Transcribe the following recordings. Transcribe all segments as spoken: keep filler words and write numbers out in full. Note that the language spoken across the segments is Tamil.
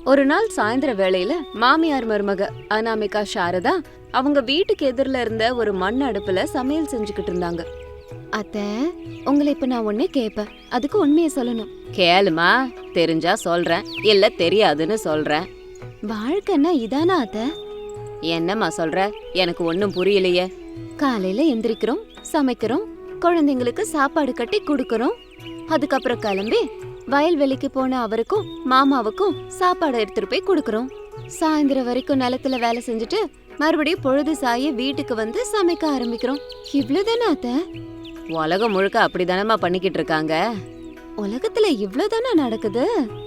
ஒரு நாள் சாயந்தர வேளையில மாமியார் மருமக அனாமிகா சாரதா அவங்க வீட்டுக்கு எதிரில இருந்த ஒரு மண் அடுப்புல சமையல் செஞ்சுக்கிட்டு இருந்தாங்க. அத்த, உங்களை இப்ப நான் ஒன்னே கேப்பேன், அதுக்கு உண்மையை சொல்லணும். கேளுமா, தெரிஞ்சா சொல்றேன், இல்ல தெரியாதுன்னு சொல்றேன். வாழ்க்கைன்னா இதானா அத்த? என்னம்மா சொல்ற? எனக்கு ஒன்னும் புரியலையே. காலையில எந்திரிக்கிறோம், சமைக்கிறோம், குழந்தைங்களுக்கு சாப்பாடு கட்டி குடுக்கறோம், அதுக்கப்புறம் கிளம்பி வயல்வெளிக்கு போன அவருக்கும் மாமாவுக்கும் சாப்பாடு எடுத்துட்டு போய் குடுக்கறோம். சாயந்தரம் வரைக்கும் நிலத்துல வேலை செஞ்சுட்டு மறுபடியும் பொழுது சாய வீட்டுக்கு வந்து சமைக்க ஆரம்பிக்கிறோம். இவ்வளவுதானே அத்த? உலகம் முழுக்க அப்படிதானமா பண்ணிக்கிட்டு இருக்காங்க. உலகத்துல இவ்வளவுதானே நடக்குது?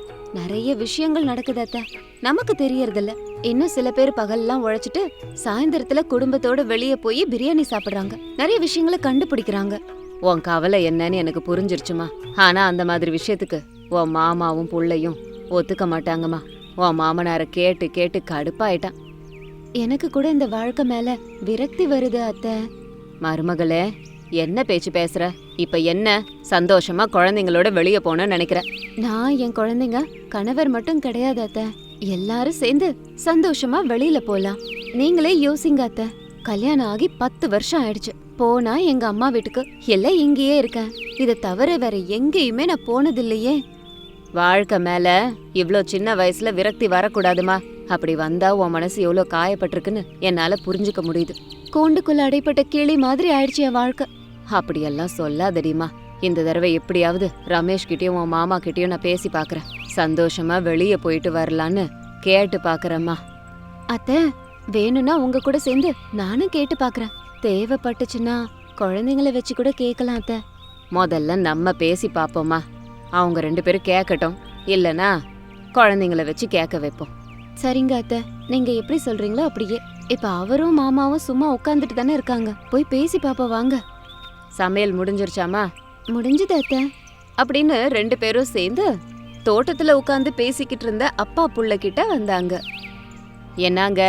நிறைய விஷயங்கள் நடக்குது அத்த, நமக்கு தெரியறதில்ல. இன்னும் சில பேர் பகல்லாம் உழைச்சிட்டு சாயந்தரத்துல குடும்பத்தோட வெளியே போய் பிரியாணி சாப்பிடுறாங்க, நிறைய விஷயங்களை கண்டுபிடிக்கிறாங்க. உன் கவலை என்னன்னு எனக்கு புரிஞ்சிருச்சுமா. ஆனா அந்த மாதிரி விஷயத்துக்கு உன் மாமாவும் புள்ளையும் ஒத்துக்க மாட்டாங்கம்மா. உன் மாமனார கேட்டு கேட்டு கடுப்பாயிட்டான். எனக்கு கூட இந்த வாழ்க்கை மேல விரக்தி வருது அத்தை. மருமகளே, என்ன பேச்சு பேசுற? இப்ப என்ன சந்தோஷமா குழந்தைங்களோட வெளியே போன நினைக்கிற? நான் என் குழந்தைங்க கணவர் மட்டும் கிடையாது அத்தை, எல்லாரும் சேர்ந்து சந்தோஷமா வெளியில போலாம். நீங்களே யோசிங்க அத்தை, கல்யாணம் ஆகி பத்து வருஷம் ஆயிடுச்சு. போனா எங்க அம்மா வீட்டுக்கு, எல்லாம் இங்கேயே இருக்கேன். இதை தவிர வேற எங்கேயுமே நான் போனதில்லையே. வாழ்க்கை மேல இவ்ளோ சின்ன வயசுல விரக்தி வரக்கூடாதுமா. அப்படி வந்தா உன் மனசு எவ்வளவு காயப்பட்டிருக்குன்னு என்னால புரிஞ்சுக்க முடியுது. கூண்டுக்குள்ள அடைப்பட்ட கிளி மாதிரி ஆயிடுச்சு என் வாழ்க்கை. அப்படியெல்லாம் சொல்லாதடிமா. இந்த தடவை எப்படியாவது ரமேஷ் கிட்டயும் உன் மாமா கிட்டயும் நான் பேசி பாக்குறேன். சந்தோஷமா வெளியே போயிட்டு வரலான்னு கேட்டு பாக்குறேம்மா. அத்தை, வேணும்னா உங்க கூட சேர்ந்து நானும் கேட்டு பாக்குறேன். தேவைப்பட்டுச்சுன்னா குழந்தைங்களை வச்சு கூட கேட்கலாம் அத்தை. முதல்ல நம்ம பேசி பாப்போமா. அவங்க ரெண்டு பேரும் கேட்கட்டும், இல்லனா குழந்தைங்களை வச்சு கேட்க வைப்போம். சரிங்க அத்தை, நீங்க எப்படி சொல்றீங்களோ அப்படியே. இப்ப அவரும் மாமாவும் சும்மா உட்காந்துட்டு தானே இருக்காங்க, போய் பேசி பாப்போம் வாங்க. சமையல் முடிஞ்சிருச்சாமா? முடிஞ்சது அத்தை அப்படின்னு ரெண்டு பேரும் சேர்ந்து தோட்டத்துல உட்காந்து பேசிக்கிட்டு இருந்த அப்பா புள்ள கிட்ட வந்தாங்க. என்னங்க?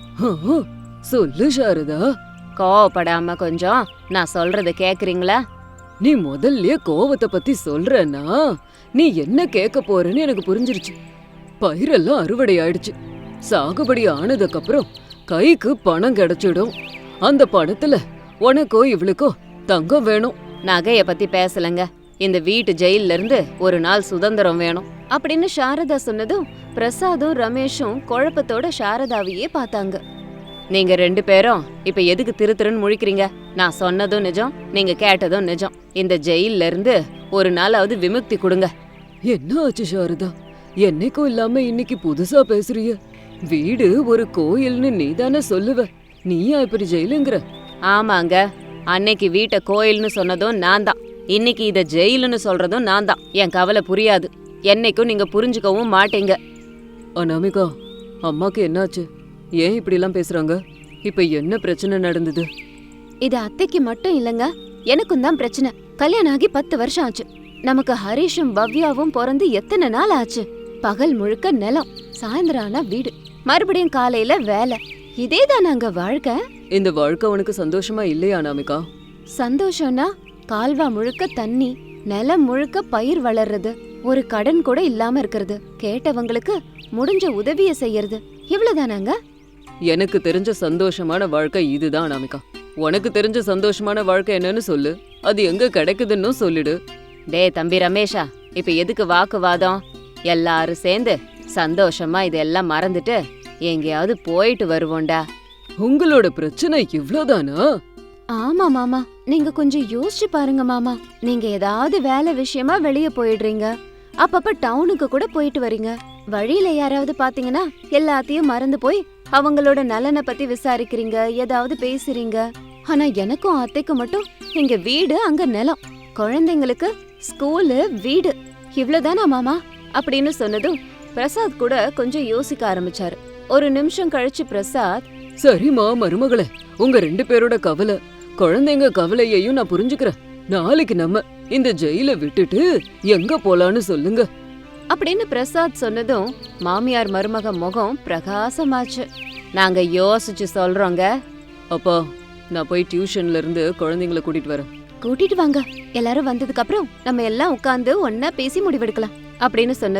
சொல்லு சாரதா. கோவப்படாம கொஞ்சம் நான் சொல்றத கேக்குறீங்களா? நீ முதல்லயே கோவத்தை பத்தி சொல்றனா நீ என்ன கேட்க போறன்னு எனக்கு புரிஞ்சிருச்சு. பயிரெல்லாம் அறுவடை ஆயிடுச்சு. சாகுபடி ஆனதுக்கு அப்புறம் கைக்கு பணம் கிடைச்சிடும். அந்த பணத்துல உனக்கோ இவளுக்கோ தங்கம் வேணும். நகைய பத்தி பேசலங்க, இந்த வீட்டு ஜெயில இருந்து ஒரு நாள் சுதந்திரம் வேணும் அப்படின்னு சாரதா சொன்னதும் பிரசாதும் ரமேஷும் குழப்பத்தோட சாரதாவையே பார்த்தாங்க. நீங்க ரெண்டு பேரும் இப்ப எதுக்கு திரு திருன்னு முழிக்கிறீங்க? நான் சொன்னதும் நிஜம், நீங்க கேட்டதும் நிஜம். இந்த ஜெயில இருந்து ஒரு நாளாவது விமுக்தி கொடுங்க. என்ன ஆச்சு சாரதா? என்னைக்கும் இல்லாம இன்னைக்கு புதுசா பேசுறிய? வீடு ஒரு கோயில்னு நீதானே சொல்லுவ, நீயா இப்படி ஜெயிலுங்கிற? ஆமாங்க, அன்னைக்கு வீட்டை கோயில்னு சொன்னதும் நான் தான், இன்னைக்கு இத ஜெயிலுன்னு சொல்றதும் நான் தான். என் கவலை புரியாது, என்னைக்கும் நீங்க புரிஞ்சுக்கவும் மாட்டீங்க. அனாமிகா, அம்மாக்கு என்னாச்சு? ஏன் இப்படி எல்லாம் பேசுறாங்க? இப்ப என்ன பிரச்சனை நடந்தது? இது அத்தைக்கு மட்டும் இல்லங்க, எனக்கும் தான் பிரச்சனை. கல்யாணம் ஆகி பத்து வருஷம் ஆச்சு. நமக்கு ஹரிஷும் பவ்யாவும் பிறந்து எத்தனை நாள் ஆச்சு? பகல் முழுக்க நிலம், சாயந்தரம் ஆனா வீடு, மறுபடியும் காலையில வேலை. இதேதான் நாங்க வாழ்க்கை. இந்த வாழ்க்கை உனக்கு சந்தோஷமா இல்லையா அனாமிகா? சந்தோஷம்னா கால்வா முழுக்க தண்ணி, நிலம் முழுக்க பயிர் வளர்றது, ஒரு கடன் கூட இல்லாம இருக்கிறது, கேட்டவங்களுக்கு முடிஞ்ச உதவிய செய்யறது, இவ்வளவுதானாங்க. எனக்கு தெரிஞ்ச சந்தோஷமான வாழ்க்கை இதுதான் அனாமிகா. உனக்கு தெரிஞ்ச சந்தோஷமான வாழ்க்கை என்னன்னு சொல்லு, அது எங்க கிடைக்குதுன்னு சொல்லிடு. டே தம்பி ரமேஷா, இப்ப எதுக்கு வாக்குவாதம்? எல்லாரும் சேர்ந்து சந்தோஷமா இதெல்லாம் மறந்துட்டு எங்கேயாவது போயிட்டு வருவோண்டா. உங்களோட பிரச்சனை இவ்ளோதானா? ஆமா மாமா, நீங்க கொஞ்சம் யோசிச்சு பாருங்க மாமா. நீங்க ஏதாவது வேலை விஷயமா வெளியே போயிடுறீங்க, அப்பப்ப டவுனுக்கு கூட போயிட்டு வரீங்க. வழியில யாராவது பாத்தீங்கன்னா எல்லாத்தையும் மறந்து போய் அவங்களோட நலனை பத்தி விசாரிக்கிறீங்க, ஏதாவது பேசுறீங்க. ஆனா எனக்கும் அத்தைக்கும் மட்டும் இங்க வீடு, அங்க நிலம், குழந்தைங்களுக்கு ஸ்கூலு, வீடு, இவ்வளவுதானா மாமா அப்படின்னு சொன்னதும் பிரசாத் கூட கொஞ்சம் யோசிக்க ஆரம்பிச்சாரு. ஒரு நிமிஷம் கழிச்சு பிரசாத், சரிம்மா மருமகளே, உங்க ரெண்டு பேரோட கவலை, குழந்தைங்க கவலையையும் நான் புரிஞ்சுக்கிறேன். நாளைக்கு நம்ம இந்த ஜெயில விட்டுட்டு எங்க போலான்னு சொல்லுங்க அப்படின்னு பிரசாத் சொன்னதும் மாமியார் மருமக முகம் பிரகாசமாச்சு. நாங்க யோசிச்சு சொல்றோங்க. அப்பா, நான் போய் டியூஷன்ல இருந்து குழந்தைங்களை கூட்டிட்டு வரேன். கூட்டிட்டு வாங்க, எல்லாரும் வந்ததுக்கு அப்புறம் நம்ம எல்லாம் உட்கார்ந்து ஒன்னா பேசி முடிவெடுக்கலாம் அப்படின்னு சொன்னதும்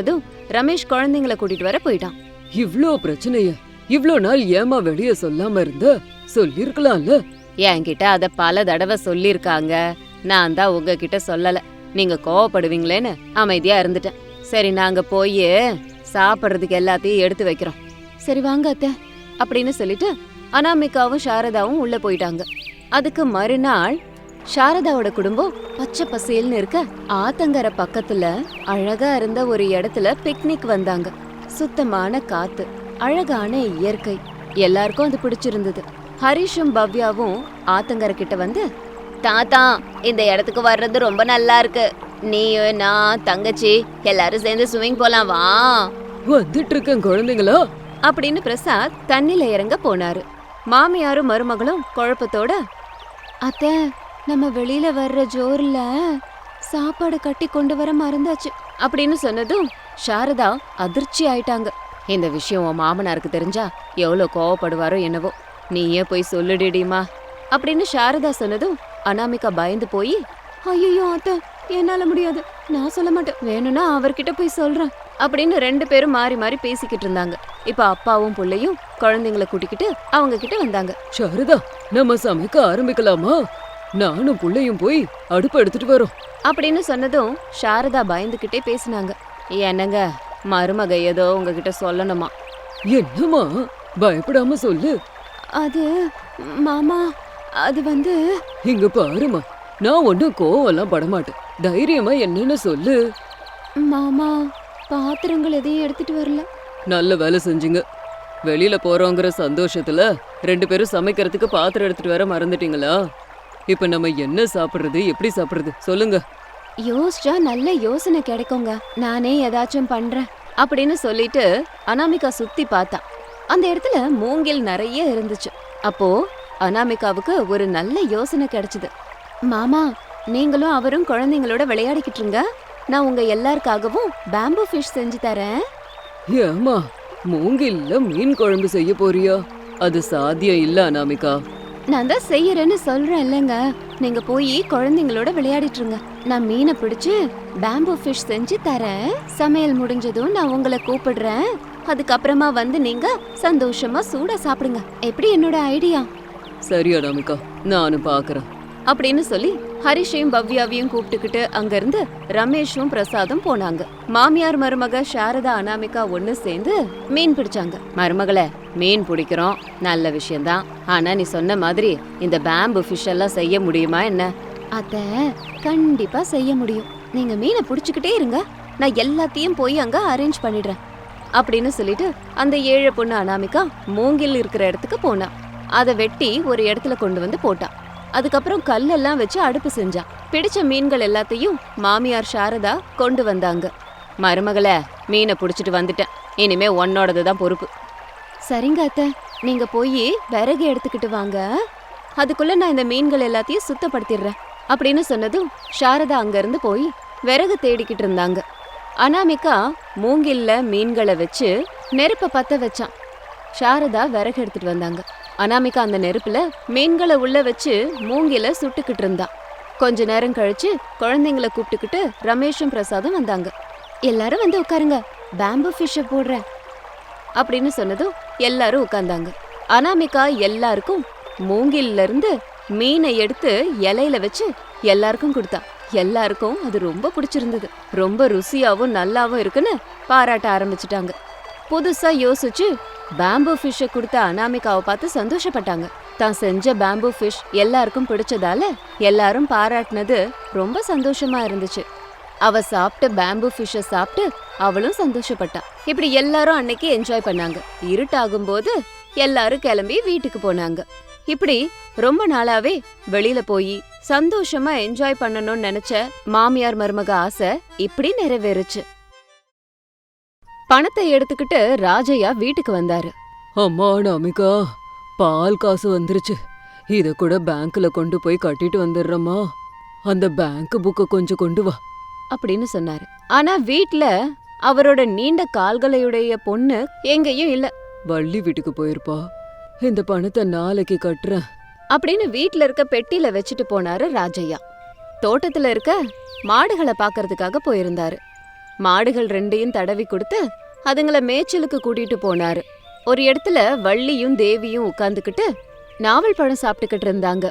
ரமேஷ் குழந்தைங்கள கூட்டிட்டு வர போயிட்டான். இவ்ளோ பிரச்சனைய இவ்ளோ நாள் ஏமா வெளிய சொல்லாம இருந்த? சொல்லிருக்கலாம்ல. என்கிட்ட அத பல தடவை சொல்லிருக்காங்க. நான் தான் உங்ககிட்ட சொல்லல. நீங்க கோவப்படுவீங்களேன்னு அமைதியா இருந்துட்டேன். சரி, நாங்க போய் சாப்பிட்றதுக்கு எல்லாத்தையும் எடுத்து வைக்கிறோம். சரி வாங்க அத்தை அப்படின்னு சொல்லிட்டு அனாமிகாவும் சாரதாவும் உள்ள போயிட்டாங்க. அதுக்கு மறுநாள் சாரதாவோட குடும்பம் பச்சை பசேல்னு இருக்க ஆத்தங்கரை பக்கத்துல அழகா இருந்த ஒரு இடத்துல பிக்னிக் வந்தாங்க. சுத்தமான காத்து, அழகான இயற்கை, எல்லாருக்கும் அது பிடிச்சிருந்தது. ஹரிஷும் பவ்யாவும் ஆத்தங்கரை கிட்ட வந்து, தாத்தா இந்த இடத்துக்கு வர்றது ரொம்ப நல்லா இருக்கு. நீ நான் தங்கச்சி எல்லாரும் சேர்ந்து ஸ்விமிங் போலாம் வா. வந்துட்டு இருக்கேன் குழந்தைங்களா அப்படின்னு பிரசாத் தண்ணில இறங்க போனாரு. மாமியாரும் மருமகளும் குழப்பத்தோட, அத்தை நம்ம வெளியில வர்ற ஜோர்ல சாப்பாடு கட்டி கொண்டு வர மறந்தாச்சு அப்படின்னு சொன்னதும் சாரதா அதிர்ச்சி ஆயிட்டாங்க. இந்த விஷயம் உன் மாமனாருக்கு தெரிஞ்சா எவ்வளவு கோவப்படுவாரோ என்னவோ, நீயே போய் சொல்லுடிடிமா அப்படின்னு சாரதா சொன்னதும் அனாமிகா பயந்து போய், ஐயோ அத்தை என்னால முடியாது, நான் சொல்ல மாட்டேன், வேணும்னா அவர்கிட்ட போய் சொல்றேன் அப்படின்னு ரெண்டு பேரும் மாறி மாறி பேசிக்கிட்டு இருந்தாங்க. இப்ப அப்பாவும் புள்ளையும் குழந்தைங்களை கூட்டிக்கிட்டு அவங்க கிட்ட வந்தாங்க. சாரதா, நம்ம சமைக்க ஆரம்பிக்கலாமா? நானும் புள்ளையும் போய் அடுப்பு எடுத்துட்டு வரோம் அப்படின்னு சொன்னதும் சாரதா பயந்துகிட்டே பேசினாங்க. என்னங்க, மருமக ஏதோ உங்ககிட்ட சொல்லணுமா? என்னம்மா, பயப்படாம சொல்லு. அது மாமா, அது வந்து இங்க பாருமா, நான் ஒன்னும் கோவம்லாம் படமாட்டேன். தைரியமா என்னன்னு சொல்லு. மாமா, பாத்திரங்கள் எதையும் எடுத்துட்டு வரல. நல்ல வேலை செஞ்சீங்க. வெளியில போறோங்கிற சந்தோஷத்துல ரெண்டு பேரும் சமைக்கிறதுக்கு பாத்திரம் எடுத்துட்டு வர மறந்துட்டீங்களா? இப்ப நம்ம என்ன சாப்பிடுறது, எப்படி சாப்பிடுறது சொல்லுங்க. யோசிச்சா நல்ல யோசனை கிடைக்குங்க, நானே ஏதாச்சும் பண்றேன் அப்படின்னு சொல்லிட்டு அனாமிகா சுத்தி பார்த்தா. அந்த இடத்துல மூங்கில் நிறைய இருந்துச்சு. அப்போ அனாமிகாவுக்கு ஒரு நல்ல யோசனை கிடைச்சது. மாமா, நீங்களும் அவரும் குழந்தைங்களோட விளையாடிக்கிட்டு இருங்க, நான் உங்க எல்லாருக்காகவும் பேம்பு ஃபிஷ் செஞ்சு தரேன். ஏமா, மூங்கில்ல மீன் குழம்பு செய்ய போறியா? அது சாத்தியம் இல்ல அனாமிகா. நான் தான் செய்யறேன்னு சொல்றேன் இல்லங்க, நீங்க போய் குழந்தைங்களோட விளையாடிட்டு இருங்க, நான் மீனை பிடிச்சு பேம்பு ஃபிஷ் செஞ்சு தரேன். சமையல் முடிஞ்சதும் நான் உங்களை கூப்பிடுறேன். அதுக்கப்புறமா வந்து நீங்க சந்தோஷமா சூடா சாப்பிடுங்க. எப்படி என்னோட ஐடியா? சரி அனாமிகா, நானும் பாக்குறேன் அப்படின்னு சொல்லி ஹரிஷையும் பவ்யாவையும் கூப்பிட்டுக்கிட்டு அங்கிருந்து ரமேஷும் பிரசாதும் போனாங்க. மாமியார் மருமக சாரதா அனாமிகா ஒண்ணு சேர்ந்து மீன் பிடிச்சாங்க. மருமகளே, மீன் பிடிக்கிறோம், நல்ல விஷயம்தான். ஆனா நீ சொன்ன மாதிரி இந்த பேம்பு ஃபிஷ் எல்லாம் செய்ய முடியுமா என்ன? அத கண்டிப்பா செய்ய முடியும். நீங்க மீனை பிடிச்சுக்கிட்டே இருங்க, நான் எல்லாத்தையும் போய் அங்க அரேஞ்ச் பண்ணிடுறேன் அப்படின்னு சொல்லிட்டு அந்த ஏழை பொண்ணு அனாமிகா மூங்கில் இருக்கிற இடத்துக்கு போனா. அதை வெட்டி ஒரு இடத்துல கொண்டு வந்து போட்டா. அதுக்கப்புறம் கல்லெல்லாம் வச்சு அடுப்பு செஞ்சா. பிடிச்ச மீன்கள் எல்லாத்தையும் மாமியார் சாரதா கொண்டு வந்தாங்க. மருமகளே, மீனை புடிச்சிட்டு வந்துட்டேன், இனிமே உன்னோடது தான் பொறுப்பு. சரிங்க அத்தை, நீங்க போய் விறகு எடுத்துக்கிட்டு வாங்க, அதுக்குள்ள நான் இந்த மீன்கள் எல்லாத்தையும் சுத்தப்படுத்திடுறேன் அப்படின்னு சொன்னதும் சாரதா அங்க இருந்து போய் விறகு தேடிக்கிட்டு இருந்தாங்க. அனாமிகா மூங்கில்ல மீன்களை வச்சு நெருப்ப பத்த வச்சான். சாரதா விறகு எடுத்துட்டு வந்தாங்க. அனாமிகா அந்த நெருப்புல மீன்களை உள்ள வச்சு மூங்கில சுட்டுக்கிட்டு இருந்தா. கொஞ்ச நேரம் கழிச்சு குழந்தைங்களை கூப்பிட்டுக்கிட்டு ரமேஷும் பிரசாதும் வந்தாங்க. எல்லாரும் வந்து உட்காருங்க, பேம்பு ஃபிஷ்ஷை போடுறேன் அப்படின்னு சொன்னதும் எல்லாரும் உட்கார்ந்தாங்க. அனாமிகா எல்லாருக்கும் மூங்கில்ல இருந்து மீனை எடுத்து இலையில வச்சு எல்லாருக்கும் கொடுத்தா. எல்லாருக்கும் அது ரொம்ப பிடிச்சிருந்தது. ரொம்ப ருசியாவும் நல்லாவும் இருக்குன்னு பாராட்ட ஆரம்பிச்சுட்டாங்க. புதுசா யோசிச்சு பேம்பு ஃபிஷ்ஷை கொடுத்த அனாமிகாவை பார்த்து சந்தோஷப்பட்டாங்க. தான் செஞ்ச பேம்பு ஃபிஷ் எல்லாருக்கும் பிடிச்சதால எல்லாரும் பாராட்டினது ரொம்ப சந்தோஷமா இருந்துச்சு. அவ சாப்பிட்ட பேம்பு ஃபிஷ்ஷை சாப்பிட்டு அவளும் சந்தோஷப்பட்டா. இப்படி எல்லாரும் அன்னைக்கு என்ஜாய் பண்ணாங்க. இருட்டாகும் போது எல்லாரும் கிளம்பி வீட்டுக்கு போனாங்க. இப்படி ரொம்ப நாளாவே வெளியில போய் சந்தோஷமா என்ஜாய் பண்ணணும்னு நினைச்ச மாமியார் மருமக ஆசை இப்படி நிறைவேறுச்சு. பணத்தை எடுத்துக்கிட்டு ராஜையா வீட்டுக்கு வந்தாரு. அம்மா அனாமிகா, பால் காசு வந்துருச்சு, இத கூட பேங்க்ல கொண்டு போய் கட்டிட்டு வந்துடுறம்மா. அந்த பேங்க் புக்க கொஞ்சம் கொண்டு வா அப்படின்னு சொன்னாரு. ஆனா வீட்ல அவரோட நீண்ட கால்களையுடைய பொண்ணு எங்கேயும் இல்ல. வள்ளி வீட்டுக்கு போயிருப்பா, இந்த பணத்தை நாளைக்கு கட்டுறேன் அப்படின்னு வீட்ல இருக்க பெட்டியில வச்சுட்டு போனாரு ராஜையா. தோட்டத்துல இருக்க மாடுகளை பாக்குறதுக்காக போயிருந்தாரு. மாடுகள் ரெண்டையும் தடவி கொடுத்து அதுங்கள மேய்ச்சலுக்கு கூட்டிட்டு போனாரு. ஒரு இடத்துல வள்ளியும் தேவியும் உட்கார்ந்துகிட்டு நாவல் பழம் சாப்பிட்டுக்கிட்டு இருந்தாங்க.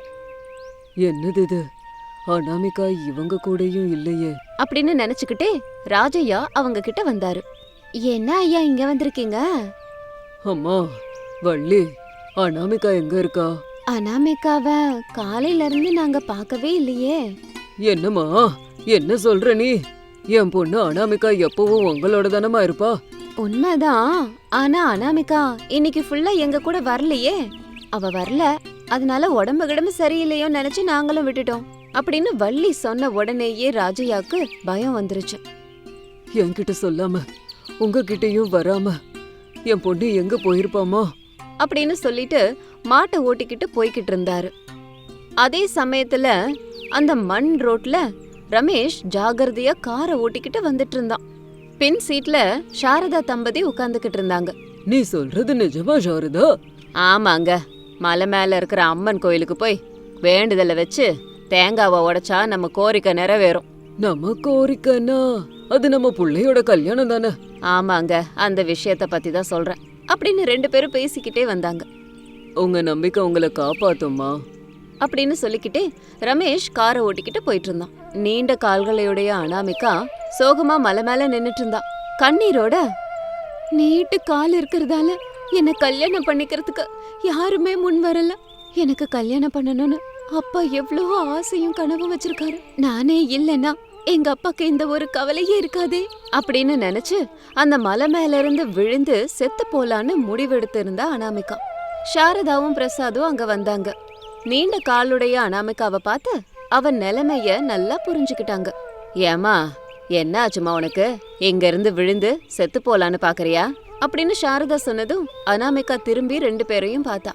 என்னது இது, அனாமிகா இவங்க கூடயும் இல்லையே அப்படின்னு நினைச்சுக்கிட்டே ராஜையா அவங்க கிட்ட வந்தாரு. என்ன ஐயா இங்க வந்திருக்கீங்க? அம்மா வள்ளி, அனாமிகா எங்க இருக்கா? அனாமிகாவ காலையில இருந்து நாங்க பார்க்கவே இல்லையே. என்னம்மா என்ன சொல்ற நீ? என் பொண்ணு அனாமிகா எப்பவும் உங்களோட தானமா இருப்பா. உண்மைதான், ஆனா அனாமிகா இன்னைக்கு ஃபுல்லா எங்க கூட வரலையே. அவ வரல, அதனால உடம்பு கிடம்பு சரியில்லையோ நினைச்சு நாங்களும் விட்டுட்டோம் அப்படின்னு வள்ளி சொன்ன உடனேயே ராஜையாக்கு பயம் வந்துருச்சு. என்கிட்ட சொல்லாம உங்ககிட்டயும் வராம என் பொண்ணு எங்க போயிருப்பாமா அப்படின்னு சொல்லிட்டு மாட்டை ஓட்டிக்கிட்டு போய்கிட்டு இருந்தாரு. அதே சமயத்துல அந்த மண் ரோட்ல ரமேஷ் ஜாகிரதையா காரை ஓட்டிக்கிட்டு வந்துட்டு இருந்தான். பின் சீட்ல சாரதா தம்பதி உட்கார்ந்துகிட்டு இருந்தாங்க. நீ சொல்றது நிஜமா சாரதா? ஆமாங்க, மலை மேல இருக்கிற அம்மன் கோயிலுக்கு போய் வேண்டுதலை வச்சு தேங்காவை உடைச்சா நம்ம கோரிக்கை நிறைவேறும். நம்ம கோரிக்கைன்னா அது நம்ம புள்ளையோட கல்யாணம் தானே? ஆமாங்க, அந்த விஷயத்த பத்தி தான் சொல்றேன் அப்படின்னு ரெண்டு பேரும் பேசிக்கிட்டே வந்தாங்க. உங்க நம்பிக்கை உங்களை காப்பாத்தும்மா அப்படின்னு சொல்லிக்கிட்டே ரமேஷ் காரை ஓட்டிக்கிட்டு போயிட்டு இருந்தான். நீண்ட கால்களையுடைய அனாமிகா சோகமா மலை மேல நின்னுட்டு இருந்தா. கண்ணீரோட, நீட்டு கால் இருக்கிறதால என்ன கல்யாணம் பண்ணிக்கிறதுக்கு யாருமே முன் வரல. எனக்கு கல்யாணம் பண்ணணும்னு அப்பா எவ்வளவோ ஆசையும் கனவு வச்சிருக்காரு. நானே இல்லைன்னா எங்க அப்பாக்கு இந்த ஒரு கவலையே இருக்காதே அப்படின்னு நினைச்சு அந்த மலை மேல இருந்து விழுந்து செத்து போலான்னு முடிவெடுத்து இருந்தா அனாமிகா. சாரதாவும் பிரசாதும் அங்க வந்தாங்க. நீண்ட காலுடைய அனாமிகாவை பார்த்து அவன் நிலைமைய நல்லா புரிஞ்சுக்கிட்டாங்க. ஏமா என்ன ஆச்சுமா உனக்கு? இங்க இருந்து விழுந்து செத்து போலான்னு பாக்குறியா அப்படின்னு சாரதா சொன்னதும் அனாமிகா திரும்பி ரெண்டு பேரையும் பார்த்தா.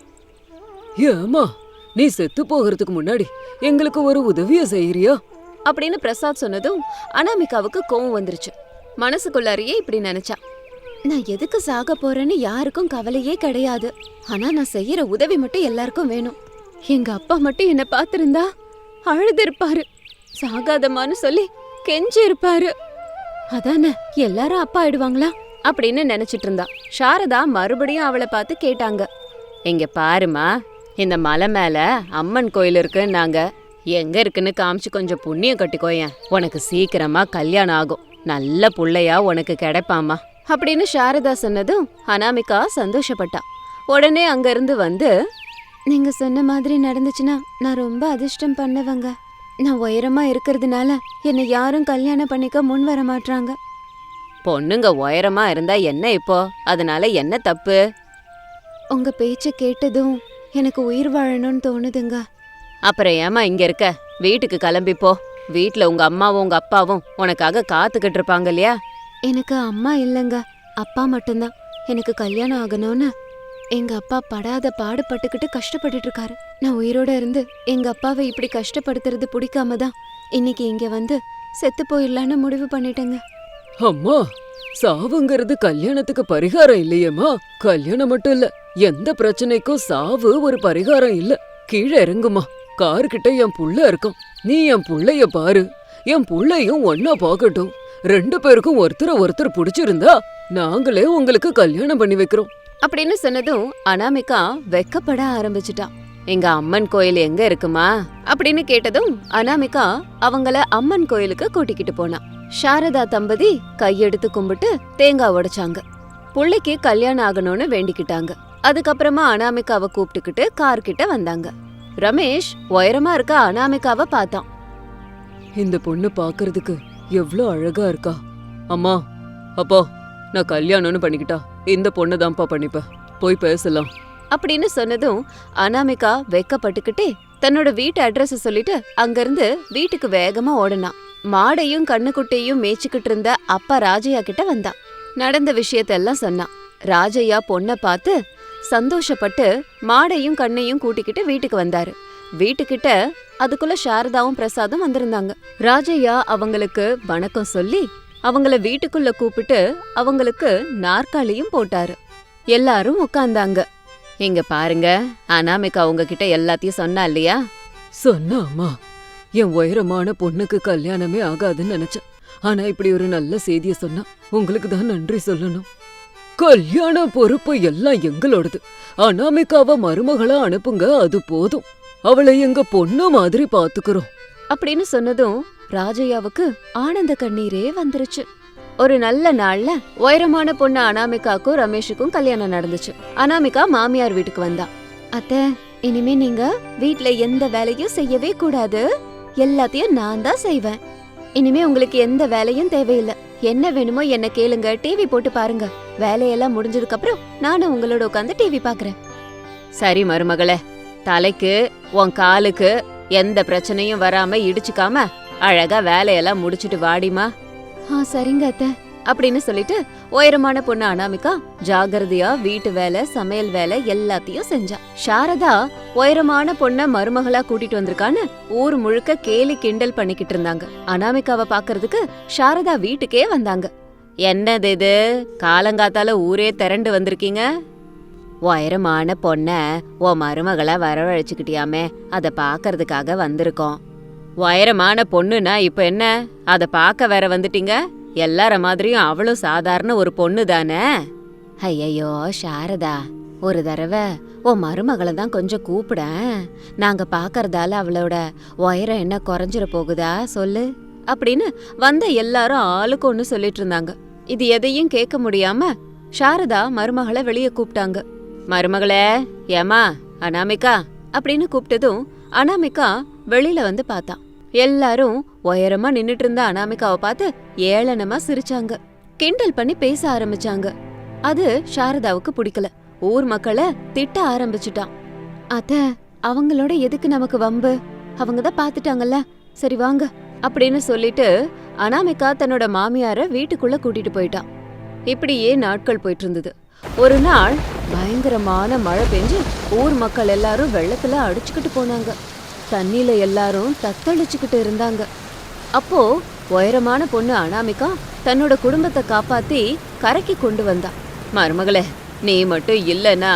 ஏமா நீ செத்து போகிறதுக்கு முன்னாடி எங்களுக்கு ஒரு உதவிய செய்யறியா அப்படின்னு பிரசாத் சொன்னதும் அனாமிகாவுக்கு கோவம் வந்துருச்சு. மனசுக்குள்ளாரியே இப்படி நினைச்சா, நான் எதுக்கு சாக போறேன்னு யாருக்கும் கவலையே கிடையாது. ஆனா நான் செய்யற உதவி மட்டும் எல்லாருக்கும் வேணும். எங்க அப்பா மட்டும் என்ன பாத்திருந்தா அழுது சாகாதமான்னு சொல்லி கெஞ்சி இருப்பாரு. அதானே எல்லாரும் அப்பா ஆயிடுவாங்களா அப்படின்னு நினைச்சிட்டு இருந்தா. சாரதா மறுபடியும் அவளை பார்த்து கேட்டாங்க. இங்க பாருமா, இந்த மலை மேல அம்மன் கோயில் இருக்குன்னாங்க. எங்க இருக்குன்னு காமிச்சு கொஞ்சம் புண்ணியம் கட்டிக்கோயேன். உனக்கு சீக்கிரமா கல்யாணம் ஆகும், நல்ல புள்ளையா உனக்கு கிடைப்பாமா அப்படின்னு சாரதா சொன்னதும் அனாமிகா சந்தோஷப்பட்டா. உடனே அங்க இருந்து வந்து, நீங்க சொன்ன மாதிரி நடந்துச்சுன்னா நான் ரொம்ப அதிர்ஷ்டம் பண்ணவங்க. நான் உயரமா இருக்கிறதுனால என்னை யாரும் கல்யாணம் பண்ணிக்க முன் வர மாட்டாங்க. பொண்ணுங்க உயரமா இருந்தா என்ன இப்போ, அதனால என்ன தப்பு? உங்க பேச்ச கேட்டதும் எனக்கு உயிர் வாழணும்னு தோணுதுங்க. அப்புறம் ஏமா இங்க இருக்க, வீட்டுக்கு கிளம்பி போ. வீட்டுல உங்க அம்மாவும் உங்க அப்பாவும் உனக்காக காத்துக்கிட்டு இருப்பாங்க இல்லையா? எனக்கு அம்மா இல்லைங்க, அப்பா மட்டும்தான். எனக்கு கல்யாணம் ஆகணும்னு எங்க அப்பா படாத பாடுபட்டுக்கிட்டு கஷ்டப்பட்டுட்டு இருக்காரு. நான் உயிரோட இருந்து எங்க அப்பாவை இப்படி கஷ்டப்படுத்துறது பிடிக்காம தான் இன்னைக்கு இங்க வந்து செத்து போயிடலான்னு முடிவு பண்ணிட்டேங்க. அம்மா, சாவுங்கிறது கல்யாணத்துக்கு பரிகாரம் இல்லையேம்மா. கல்யாணம் மட்டும் இல்ல, எந்த பிரச்சனைக்கும் சாவு ஒரு பரிகாரம் இல்ல. கீழே இறங்குமா, கார்கிட்ட என் புள்ள இருக்கும். நீ என் புள்ளைய பாரு, என் புள்ளையும் ஒன்னா பாக்கட்டும். ரெண்டு பேருக்கும் ஒருத்தர ஒருத்தர் பிடிச்சிருந்தா நாங்களே உங்களுக்கு கல்யாணம் பண்ணி வைக்கிறோம் அப்படின்னு சொன்னதும் அனாமிகா வெக்கப்பட ஆரம்பிச்சுட்டா. எங்க அம்மன் கோயில் எங்க இருக்குமா அப்படின்னு கேட்டதும் அனாமிகா அவங்கள அம்மன் கோயிலுக்கு கூட்டிக்கிட்டு போனா. சாரதா தம்பதி கையெடுத்து கும்பிட்டு தேங்காய் உடைச்சாங்க. புள்ளைக்கு கல்யாணம் ஆகணும்னு வேண்டிக்கிட்டாங்க. அதுக்கப்புறமா அனாமிகாவை கூப்பிட்டுக்கிட்டு கார் கிட்ட வந்தாங்க. ரமேஷ் உயரமா இருக்க அனாமிகாவை பார்த்தான். இந்த பொண்ணு பாக்குறதுக்கு எவ்வளவு அழகா இருக்கா. அம்மா அப்பா, நான் கல்யாணம்னு பண்ணிக்கிட்டா இந்த பொண்ணு தான்ப்பா பண்ணிப்பேன், போய் பேசலாம் அப்படின்னு சொன்னதும் அனாமிகா வெக்கப்பட்டுக்கிட்டே தன்னோட வீட்டு அட்ரஸ் சொல்லிட்டு அங்கிருந்து வீட்டுக்கு வேகமா ஓடுனான். மாடையும் கண்ணுக்குட்டையும் மேய்ச்சிக்கிட்டு இருந்த அப்பா ராஜையா கிட்ட வந்தான். நடந்த விஷயத்தெல்லாம் சொன்னான். ராஜையா பொண்ணை பார்த்து சந்தோஷப்பட்டு மாடையும் கண்ணையும் கூட்டிக்கிட்டு வீட்டுக்கு வந்தாரு. வீட்டுக்கிட்ட அதுக்குள்ள சாரதாவும் பிரசாதும் வந்திருந்தாங்க. ராஜையா அவங்களுக்கு வணக்கம் சொல்லி அவங்கள வீட்டுக்குள்ள கூப்பிட்டு அவங்களுக்கு நாற்காலியும் போட்டாரு. எல்லாரும் உட்கார்ந்தாங்க. இங்க பாருங்க, அனாமிகா உங்ககிட்ட எல்லாத்தையும் சொன்னா இல்லையா? சொன்னா அம்மா, என் உயரமான பொண்ணுக்கு கல்யாணமே ஆகாதுன்னு நினைச்சேன். ஆனா இப்படி ஒரு நல்ல செய்திய சொன்னா உங்களுக்கு தான் நன்றி சொல்லணும். கல்யாண பொறுப்பு எல்லாம் எங்களோடது. அனாமிகாவ மருமகளா அனுப்புங்க, அது போதும். அவளை எங்க பொண்ணு மாதிரி பாத்துக்கிறோம் அப்படின்னு சொன்னதும் ராஜையாவுக்கு ஆனந்த கண்ணீரே வந்துருச்சு. ஒரு நல்ல நாள்ல உயரமான பொண்ணு அனாமிகாக்கும் ரமேஷுக்கும் கல்யாணம் நடந்துச்சு. அனாமிகா மாமியார் வீட்டுக்கு வந்தா. அத்தை, இனிமே நீங்க வீட்ல எந்த வேலையும் செய்யவே கூடாது. எல்லாத்தையும் நான் தான் செய்வேன். இனிமே உங்களுக்கு எந்த வேலையும் தேவையில்லை. என்ன வேணுமோ என்ன கேளுங்க, டிவி போட்டு பாருங்க. வேலையெல்லாம் முடிஞ்சதுக்கு அப்புறம் நானும் உங்களோட உட்காந்து டிவி பாக்குறேன். சரி மருமகளே, தலைக்கு உன் காலுக்கு எந்த பிரச்சனையும் வராம இடிச்சுக்காம அழகா வேலையெல்லாம் முடிச்சிட்டு வாடிமா. ஆ சரிங்க அத்தை அப்படின்னு சொல்லிட்டு உயரமான பொண்ணு அனாமிகா ஜாகிரதையா வீட்டு வேலை சமையல் வேலை எல்லாத்தையும் செஞ்சா. சாரதா உயரமான பொண்ண மருமகளா கூட்டிட்டு வந்திருக்கான்னு ஊர் முழுக்க கேலி கிண்டல் பண்ணிக்கிட்டு இருந்தாங்க. அனாமிகாவை பாக்குறதுக்கு சாரதா வீட்டுக்கே வந்தாங்க. என்னது இது, காலங்காத்தால ஊரே திரண்டு வந்திருக்கீங்க? உயரமான பொண்ண உன் மருமகளா வரவழைச்சுக்கிட்டியாமே, அத பாக்கறதுக்காக வந்திருக்கோம். உயரமான பொண்ணுனா இப்ப என்ன, அத பாக்க வேற வந்துட்டீங்க? எல்லார மாதிரியும் அவளும் சாதாரண ஒரு பொண்ணு தானே. ஐயையோ சாரதா, ஒரு தடவை உன் மருமகளை தான் கொஞ்சம் கூப்பிட. நாங்க பாக்கறதால அவளோட உயரம் என்ன குறைஞ்சிட போகுதா சொல்லு அப்படின்னு வந்த எல்லாரும் ஆளுக்கு ஒண்ணு சொல்லிட்டு இருந்தாங்க. இது எதையும் கேட்க முடியாம சாரதா மருமகளை வெளியே கூப்பிட்டாங்க. மருமகளே, ஏமா அனாமிகா அப்படின்னு கூப்பிட்டதும் அனாமிகா வெளியில வந்து பார்த்தா. எல்லாரும் உயரமா நின்னுட்டு இருந்த அனாமிகாவை பார்த்து ஏளனமா சிரிச்சாங்க, கிண்டல் பண்ணி பேச ஆரம்பிச்சாங்க. அது சாரதாவுக்கு பிடிக்கல. ஊர் மக்களை திட்ட ஆரம்பிச்சுட்டான். அத்த, அவங்களோட எதுக்கு நமக்கு வம்பு? அவங்கதான் பாத்துட்டாங்கல்ல, சரி வாங்க அப்படின்னு சொல்லிட்டு அனாமிகா தன்னோட மாமியார வீட்டுக்குள்ள கூட்டிட்டு போயிட்டான். இப்படியே நாட்கள் போயிட்டு இருந்தது. ஒரு நாள் பயங்கரமான மழை பெஞ்சு ஊர் மக்கள் எல்லாரும் வெள்ளத்துல அடிச்சுக்கிட்டு போனாங்க. தண்ணியில எல்லாரும் தத்தளிச்சுக்கிட்டு இருந்தாங்க. அப்போ உயரமான பொண்ணு அனாமிகா தன்னோட குடும்பத்தை காப்பாத்தி கரைக்கு கொண்டு வந்தா. மருமகளே, நீ மட்டும் இல்லனா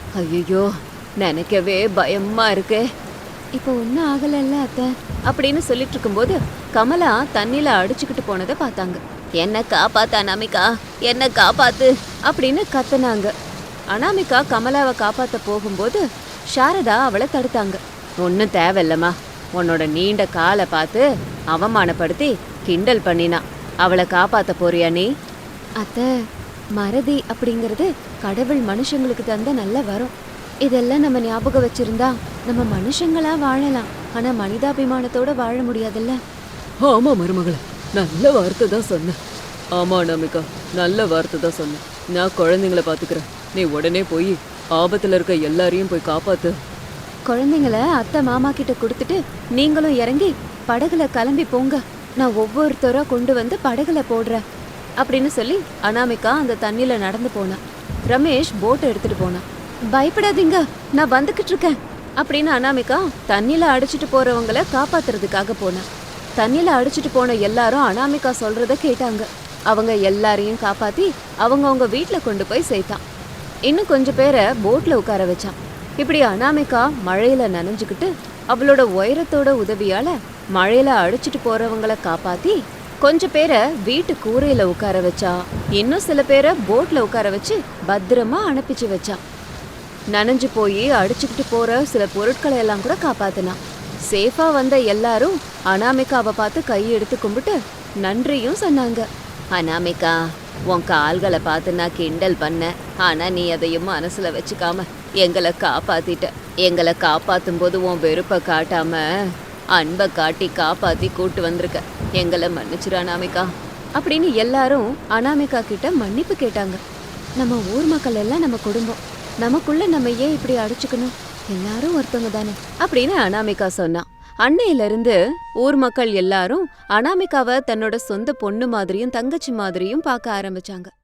ஐயோ நினைக்கவே பயமா இருக்கு. இப்போ ஒன்னும் ஆகலல்ல அத்தை அப்படின்னு சொல்லிட்டு இருக்கும்போது கமலா தண்ணியில அடிச்சுக்கிட்டு போனதை பார்த்தாங்க. என்ன காப்பாத்து அனாமிகா, என்ன காப்பாத்து அப்படின்னு கத்துனாங்க. அனாமிகா கமலாவை காப்பாத்த போகும்போது சாரதா அவளை தடுத்தாங்க. ஒன்னும் தேவையில்லம்மா, உன்னோட நீண்ட காலை பார்த்து அவமானப்படுத்தி கிண்டல் பண்ணினா. அவளை காப்பாத்த போறியா நீ? அத்த, மறதி அப்படிங்கறது கடவுள் மனுஷங்களுக்கு தந்த நல்ல வரம். இதெல்லாம் நம்ம ஞாபகம் வச்சிருந்தா நம்ம மனுஷங்களா வாழலாம். ஆனா மனிதாபிமானத்தோட வாழ முடியாதுல்ல. ஆமா மருமகளே, நல்ல வார்த்தை தான் சொன்ன. ஆமா அனாமிகா, நல்ல வார்த்தை தான் சொன்ன. நான் குழந்தைங்கள பாத்துக்கிறேன், நீ உடனே போய் ஆபத்துல இருக்க எல்லாரையும் போய் காப்பாத்து. குழந்தைங்கள அத்தை மாமா கிட்ட கொடுத்துட்டு நீங்களும் இறங்கி படகுல கிளம்பி போங்க. நான் ஒவ்வொருத்தரா கொண்டு வந்து படகுல போடுறேன் அப்படின்னு சொல்லி அனாமிகா அந்த தண்ணியில நடந்து போனான். ரமேஷ் போட்டை எடுத்துட்டு போனான். பயப்படாதீங்க, நான் வந்துகிட்டு இருக்கேன் அப்படின்னு அனாமிகா தண்ணியில அடிச்சுட்டு போறவங்கள காப்பாத்துறதுக்காக போனான். தண்ணியில அடிச்சுட்டு போன எல்லாரும் அனாமிகா சொல்றத கேட்டாங்க. அவங்க எல்லாரையும் காப்பாத்தி அவங்க அவங்க வீட்டுல கொண்டு போய் சேர்த்தான். இன்னும் கொஞ்சம் பேரை போட்ல உட்கார வச்சான். இப்படி அனாமிகா மழையில நனைஞ்சுக்கிட்டு அவளோட உயரத்தோட உதவியால மழையில அடிச்சுட்டு போறவங்கள காப்பாத்தி கொஞ்சம் பேரை வீட்டு கூரையில உட்கார வச்சா. இன்னும் சில பேரை போட்ல உட்கார வச்சு பத்திரமா அனுப்பிச்சு வச்சா. நனைஞ்சு போய் அடிச்சுக்கிட்டு போற சில பொருட்களை எல்லாம் கூட காப்பாத்தினான். சேஃபா வந்த எல்லாரும் அனாமிகாவை பார்த்து கையெடுத்து கும்பிட்டு நன்றியும் சொன்னாங்க. அனாமிகா, உன் கால்களை பார்த்து நான் கிண்டல் பண்ண, ஆனா நீ அதையும் மனசுல வச்சுக்காம எங்களை காப்பாத்திட்ட. எங்களை காப்பாத்தும் போது உன் வெறுப்பை காட்டாம அன்பை காட்டி காப்பாத்தி கூட்டு வந்திருக்க. எங்களை மன்னிச்சிரு அனாமிகா அப்படின்னு எல்லாரும் அனாமிகா கிட்ட மன்னிப்பு கேட்டாங்க. நம்ம ஊர் மக்கள் எல்லாம் நம்ம குடும்பம், நமக்குள்ள நம்ம ஏன் இப்படி அடிச்சுக்கணும்? எல்லாரும் ஒருத்தவங்க தானே அப்படின்னு அனாமிகா சொன்னா. அன்னையில இருந்து ஊர் மக்கள் எல்லாரும் அனாமிகாவை தன்னோட சொந்த பொண்ணு மாதிரியும் தங்கச்சி மாதிரியும் பார்க்க ஆரம்பிச்சாங்க.